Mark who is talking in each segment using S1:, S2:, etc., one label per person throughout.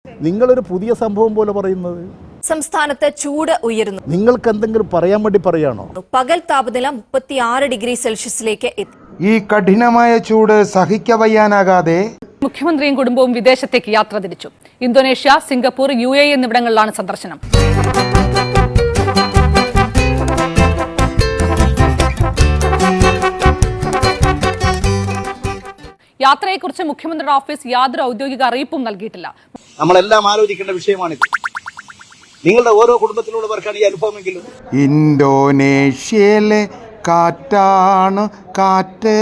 S1: നിങ്ങളൊരു പുതിയ സംഭവം പോലെ പറയുന്നത്.
S2: സംസ്ഥാനത്ത് ചൂട് ഉയരുന്നു.
S1: നിങ്ങൾക്ക് എന്തെങ്കിലും പറയാൻ വേണ്ടി പറയാണോ?
S2: പകൽ താപനില 36 ഡിഗ്രി സെൽഷ്യസിലേക്ക് എത്തി.
S3: ഈ കഠിനമായ ചൂട് സഹിക്കവയ്യാനാകാതെ
S4: മുഖ്യമന്ത്രിയും കുടുംബവും വിദേശത്തേക്ക് യാത്ര തിരിച്ചു. ഇന്തോനേഷ്യ, സിംഗപ്പൂർ, UAE എന്നിവിടങ്ങളിലാണ് സന്ദർശനം. യാത്രയെക്കുറിച്ച് മുഖ്യമന്ത്രിയുടെ ഓഫീസ് യാതൊരു ഔദ്യോഗിക അറിയിപ്പും നൽകിയിട്ടില്ല.
S5: നമ്മളെല്ലാം ആലോചിക്കേണ്ട വിഷയമാണിത്. നിങ്ങളുടെ ഓരോ കുടുംബത്തിലുള്ളവർക്കാണ് ഈ അനുഭവമെങ്കിലും.
S3: ഇന്തോനേഷ്യയിലെ കാറ്റാണ് കാറ്റ്,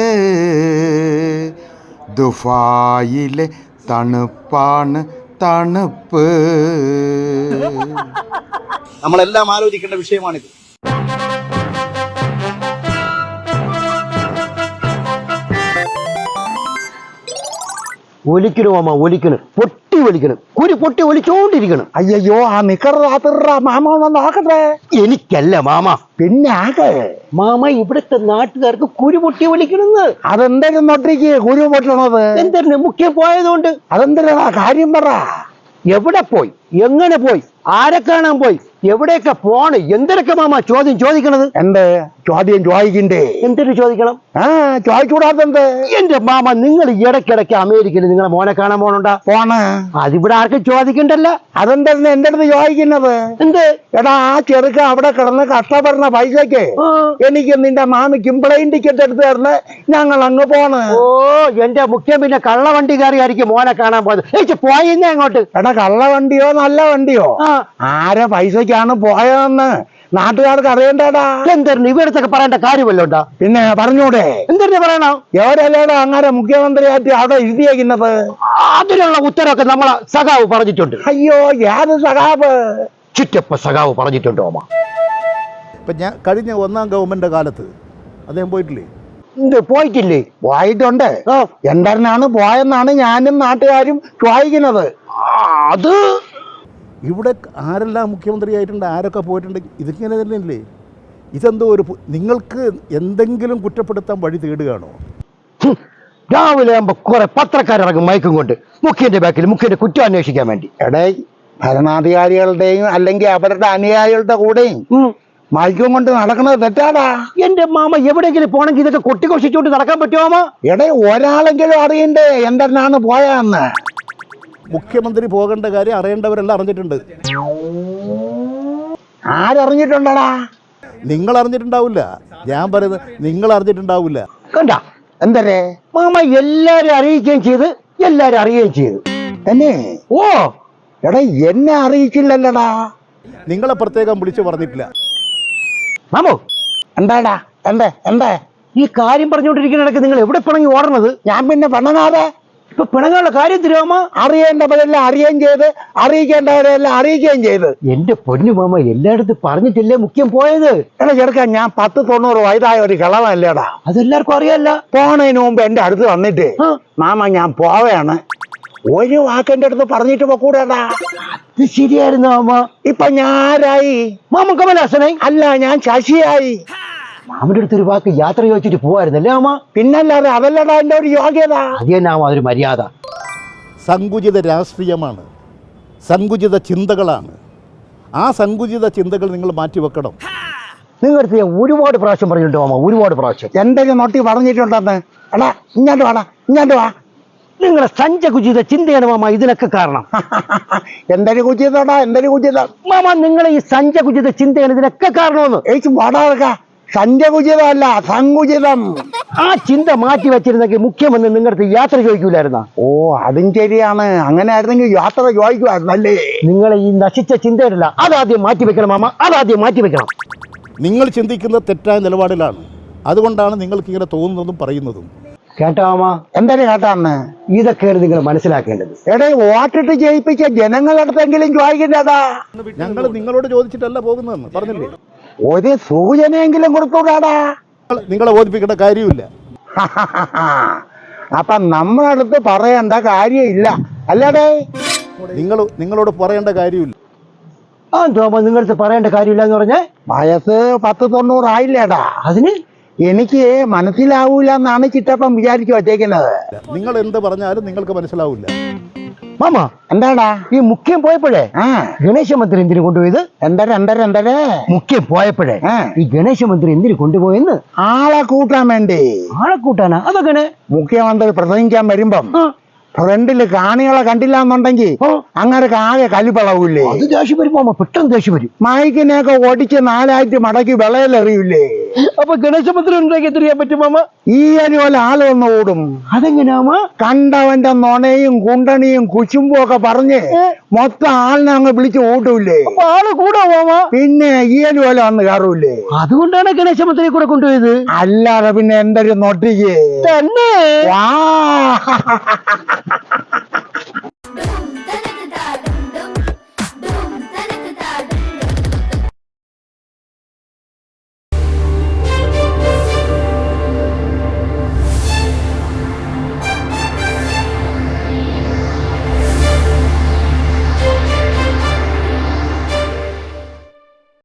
S3: ദുബായിലെ തണുപ്പാണ് തണുപ്പ്.
S5: നമ്മളെല്ലാം ആലോചിക്കേണ്ട വിഷയമാണിത്.
S6: ഒലിക്കണു മാമ, ഒലിക്കണ്, പൊട്ടി ഒലിക്കണം, കുരി പൊട്ടി ഒലിച്ചോണ്ടിരിക്കണം.
S7: അയ്യോ, ആ നിക്കറാ മാമ ഒന്ന് നോക്കട്ടെ.
S6: എനിക്കല്ല മാമ,
S7: പിന്നെ ആകെ
S6: മാമ ഇവിടുത്തെ നാട്ടുകാർക്ക് കുരു പൊട്ടി ഒലിക്കണെന്ന്.
S7: അതെന്തെങ്കിലും നൊട്ടിക്ക് കുരു പൊട്ടണത്
S6: എന്തിനു? മുഖ്യം പോയതുകൊണ്ട്.
S7: അതെന്തിനാ കാര്യം പറ.
S6: എവിടെ പോയി, എങ്ങനെ പോയി, ആരെ കാണാൻ പോയി, എവിടെയൊക്കെ പോണ്, എന്തൊക്കെ മാമ ചോദ്യം ചോദിക്കണത്?
S7: എന്ത് ചോദ്യം ചോദിക്കണ്ടേ?
S6: എന്തിനു ചോദിക്കണം?
S7: ചോദിച്ചൂടാത്തെന്ത്?
S6: എന്റെ മാമ, നിങ്ങൾ ഇടയ്ക്കിടയ്ക്ക് അമേരിക്കയിൽ നിങ്ങളെ മോനെ കാണാൻ പോണുണ്ടാ?
S7: പോണ്.
S6: അതിവിടെ ആർക്കും ചോദിക്കണ്ടല്ലോ.
S7: അതെന്താ എന്റെ അടുത്ത് ചോദിക്കുന്നത്?
S6: എന്ത്?
S7: എടാ, ആ ചെറുക്ക അവിടെ കിടന്ന് കഷ്ടപ്പെടുന്ന പൈസക്ക് എനിക്ക് നിന്റെ മാമിക്കും പ്ലെയിൻ ടിക്കറ്റ് എടുത്ത് തരുന്ന, ഞങ്ങൾ അങ്ങ് പോണ്.
S6: ഓ, എന്റെ മുഖ്യം പിന്നെ കള്ളവണ്ടിക്കാരിയായിരിക്കും മോനെ കാണാൻ പോയത്. പോയിന്നേ അങ്ങോട്ട്.
S7: എടാ, കള്ളവണ്ടിയോ നല്ല വണ്ടിയോ, ആരെ പൈസക്കാണ് പോയതെന്ന് നാട്ടുകാർക്ക് അറിയണ്ടേടാ.
S6: എന്തായിരുന്നു ഇവിടത്തൊക്കെ പറയേണ്ട കാര്യമല്ലോ ഉണ്ടാ?
S7: പിന്നെ പറഞ്ഞൂടെ?
S6: എന്തിനു പറയണോ?
S7: എവരല്ലേടാ അങ്ങനെ മുഖ്യമന്ത്രിയായിട്ട് അവിടെ ഇരുത്തിയേക്കുന്നത്?
S6: അതിനുള്ള ഉത്തരവൊക്കെ നമ്മളെ സഖാവ് പറഞ്ഞിട്ടുണ്ട്.
S7: അയ്യോ, ഏത് സഖാവ്?
S6: ചുറ്റപ്പ സഖാവ് പറഞ്ഞിട്ടുണ്ടോ അമ്മ?
S1: ഇപ്പം ഞാൻ കഴിഞ്ഞ ഒന്നാം ഗവൺമെൻറ് കാലത്ത് അദ്ദേഹം പോയിട്ടില്ലേ?
S6: പോയിട്ടില്ലേ?
S7: പോയിട്ടുണ്ട്. എന്താണ് പോയെന്നാണ് ഞാനും നാട്ടുകാരും ചോദിക്കുന്നത്.
S6: അത്
S1: ഇവിടെ ആരെല്ലാം മുഖ്യമന്ത്രിയായിട്ടുണ്ട്, ആരൊക്കെ പോയിട്ടുണ്ട്, ഇതിങ്ങനെ തന്നെയല്ലേ? ഇതെന്തോ ഒരു നിങ്ങൾക്ക് എന്തെങ്കിലും കുറ്റപ്പെടുത്താൻ വഴി തേടുകയാണോ?
S6: രാവിലെ ആകുമ്പോ കുറെ പത്രക്കാരിറങ്ങും മയക്കും കൊണ്ട് മുഖ്യന്റെ ബാക്കിൽ മുഖ്യന്റെ കുറ്റം അന്വേഷിക്കാൻ വേണ്ടി.
S7: എടേ, ഭരണാധികാരികളുടെയും അല്ലെങ്കിൽ അവരുടെ അനുയായികളുടെ കൂടെയും മയക്കും കൊണ്ട് നടക്കുന്നത് തെറ്റാടാ.
S6: എന്റെ മാമ, എവിടെയെങ്കിലും പോണെങ്കിൽ ഇതൊക്കെ കൊട്ടിഘോഷിച്ചുകൊണ്ട് നടക്കാൻ പറ്റുമോ?
S7: എടേ, ഒരാളെങ്കിലും അറിയണ്ടേ എന്താണ് പോയാന്ന്?
S1: മുഖ്യമന്ത്രി പോകേണ്ട കാര്യം അറിയേണ്ടവരെല്ലാം അറിഞ്ഞിട്ടുണ്ട്.
S7: ആരറിഞ്ഞിട്ടുണ്ടടാ?
S1: നിങ്ങൾ അറിഞ്ഞിട്ടുണ്ടാവില്ല. ഞാൻ പറയുന്നത് നിങ്ങൾ അറിഞ്ഞിട്ടുണ്ടാവില്ല.
S6: കണ്ട
S7: എന്തരേ
S6: മാമ, എല്ലാരും അറിയിക്കുകയും ചെയ്ത് എല്ലാരും അറിയുകയും ചെയ്തു
S7: തന്നെ.
S6: ഓ,
S7: എടാ, എന്നെ അറിയിച്ചില്ലല്ലടാ.
S1: നിങ്ങളെ പ്രത്യേകം വിളിച്ചു പറഞ്ഞിട്ടില്ല.
S6: മാമോ,
S7: എന്താടാ? എന്താ
S6: ഈ കാര്യം പറഞ്ഞുകൊണ്ടിരിക്കുന്നിടക്ക് നിങ്ങൾ എവിടെ പിണങ്ങി ഓടണത്?
S7: ഞാൻ പിന്നെ പെണ്ണങ്ങാതെ
S6: ഇപ്പൊ പിണങ്ങാനുള്ള കാര്യം തരുമോ?
S7: അറിയേണ്ടവരെല്ലാം അറിയുകയും ചെയ്ത് അറിയിക്കേണ്ടവരെല്ലാം അറിയിക്കുകയും ചെയ്ത്.
S6: എന്റെ പൊന്നു മാമ, എല്ലായിടത്തും പറഞ്ഞിട്ടില്ലേ മുഖ്യം പോയത്?
S7: എടാ ചെറുക്കാൻ, ഞാൻ 10-90 വയസ്സായ ഒരു കിളവല്ലേടാ.
S6: അതെല്ലാവർക്കും അറിയാല്ല.
S7: പോണതിന് മുമ്പ് എന്റെ അടുത്ത് വന്നിട്ട് മാമ ഞാൻ പോവുകയാണ്, ഒരു വാക്കെന്റെ അടുത്ത് പറഞ്ഞിട്ട് പോക്കൂടാ.
S6: ഇത് ശരിയായിരുന്നു മാമ.
S7: ഇപ്പൊ ഞാനായി
S6: മാമ കമലാസനായി?
S7: അല്ല, ഞാൻ ശശിയായി.
S6: മാമന്റെ അടുത്തൊരു വാക്ക് യാത്ര ചോദിച്ചിട്ട് പോവായിരുന്നല്ലേ മാമ?
S7: പിന്നല്ലാതെ അതല്ലടാ എന്റെ ഒരു യോഗ്യത.
S6: അത് തന്നെ മാമ, അതൊരു മര്യാദ.
S1: സങ്കുചിത രാഷ്ട്രീയമാണ്, സങ്കുചിത ചിന്തകളാണ്. ആ സങ്കുചിത ചിന്തകൾ നിങ്ങൾ മാറ്റിവെക്കണം.
S6: നിങ്ങളുടെ ഞാൻ ഒരുപാട് പ്രാവശ്യം പറഞ്ഞിട്ടുണ്ട് മാമ, ഒരുപാട് പ്രാവശ്യം.
S7: എന്തെങ്കിലും നോട്ടി പറഞ്ഞിട്ടുണ്ടെന്ന്. എടാ, ഇങ്ങോട്ട് വാ.
S6: നിങ്ങളെ സഞ്ചകുചിത ചിന്തയാണ് മാമ ഇതിനൊക്കെ കാരണം.
S7: എന്തൊരു കുചിതടാ, എന്തൊരു കുചിത
S6: മാമ, നിങ്ങളെ ഈ സഞ്ചകുചിത ചിന്തയാണ് ഇതിനൊക്കെ കാരണമെന്ന്.
S7: വടാക. സഞ്ചകുചിതമല്ല, സങ്കുചിതം.
S6: ആ ചിന്ത മാറ്റി വെച്ചിരുന്നെങ്കിൽ മുഖ്യമന്ത്രി നിങ്ങളുടെ യാത്ര ചോദിക്കൂലായിരുന്ന?
S7: ഓ, അതും ശരിയാണ്. അങ്ങനെ ആയിരുന്നെങ്കിൽ യാത്ര ചോദിക്കുമായിരുന്നല്ലേ?
S6: നിങ്ങളെ ഈ നശിച്ച ചിന്തയിലല്ല, അതാദ്യം മാറ്റി വെക്കണം മാമ, അതാദ്യം മാറ്റി വെക്കണം.
S1: നിങ്ങൾ ചിന്തിക്കുന്ന തെറ്റായ നിലപാടിലാണ്. അതുകൊണ്ടാണ് നിങ്ങൾക്ക് ഇങ്ങനെ തോന്നുന്നതും പറയുന്നതും.
S6: കേട്ടോ മാമ?
S7: എന്തൊരു കേട്ടാന്ന്?
S6: ഇതൊക്കെയാണ് നിങ്ങൾ മനസ്സിലാക്കേണ്ടത്.
S7: എടേ, വോട്ടിട്ട് ജയിപ്പിച്ച ജനങ്ങളടുത്തെങ്കിലും ചോദിക്കണ്ടേടാ.
S1: ഞങ്ങൾ നിങ്ങളോട് ചോദിച്ചിട്ടല്ല പോകുന്നതെന്ന് പറഞ്ഞില്ലേ?
S7: ഒരു സൂചനയെങ്കിലും കൊടുത്തൂടാടാ.
S1: നിങ്ങളെ ബോധിപ്പിക്കേണ്ട കാര്യമില്ല.
S7: അപ്പൊ നമ്മളടുത്ത് പറയേണ്ട കാര്യമില്ല അല്ലേടേ?
S1: നിങ്ങളോട് പറയേണ്ട കാര്യമില്ല.
S6: ആ തോമ, നിങ്ങളടുത്ത് പറയേണ്ട കാര്യമില്ല എന്ന് പറഞ്ഞേ?
S7: വയസ്സ് 10-90 ആയില്ലേടാ.
S6: അതിന്
S7: എനിക്ക് മനസ്സിലാവൂല എന്നാണ് ചിറ്റപ്പം വിചാരിച്ചു വച്ചേക്കുന്നത്.
S1: നിങ്ങൾ എന്ത് പറഞ്ഞാലും നിങ്ങൾക്ക് മനസ്സിലാവില്ല.
S6: മാമ
S7: എന്താടാ
S6: ഈ മുഖ്യം പോയപ്പോഴേ
S7: ആ
S6: ഗണേശ മന്ത്രി എന്തിനു കൊണ്ടുപോയത്?
S7: എന്തരെ
S6: മുഖ്യം പോയപ്പോഴേ
S7: ആ.
S6: ഈ ഗണേശ മന്ത്രി എന്തിനു കൊണ്ടുപോയെന്ന്?
S7: ആളെ കൂട്ടാൻ വേണ്ടി.
S6: ആളെ കൂട്ടാനാ? അതെങ്ങനെ?
S7: മുഖ്യമന്ത്രി പ്രസംഗിക്കാൻ വരുമ്പം
S6: ആ.
S7: ഫ്രണ്ടില് കാണികളെ കണ്ടില്ല എന്നുണ്ടെങ്കിൽ
S6: ആ.
S7: അങ്ങനെ ആകെ കലിപ്പളവില്ലേ?
S6: അത് ദേഷ്യം വരും മാമ, പെട്ടെന്ന് ദേഷ്യം വരും.
S7: മൈക്കിനെയൊക്കെ ഒടിച്ച് 4 ആയിട്ട് മടക്കി വിളയിലെറിയില്ലേ?
S6: അപ്പൊ ഗണേശ മന്ത്രി ഉണ്ടാക്കി എത്തിരിക്കാൻ പറ്റും മാമ?
S7: ഈ പോലെ ആള് വന്ന് ഓടും.
S6: അതെങ്ങനെയാമ?
S7: കണ്ടവന്റെ നൊണയും കുണ്ടണിയും കുശുമ്പും ഒക്കെ പറഞ്ഞ് മൊത്തം ആളിനെ അങ്ങ് വിളിച്ച് ഓട്ടൂല്ലേ?
S6: അപ്പൊ ആള് കൂടാ മാമ?
S7: പിന്നെ ഈ പോലെ വന്ന് കയറൂല്ലേ?
S6: അതുകൊണ്ടാണ് ഗണേശ മന്ത്രിയെ കൂടെ കൊണ്ടുപോയത്.
S7: അല്ലാതെ പിന്നെ എന്തൊരു നൊട്ടിക്ക്
S6: തന്നെ
S7: വാ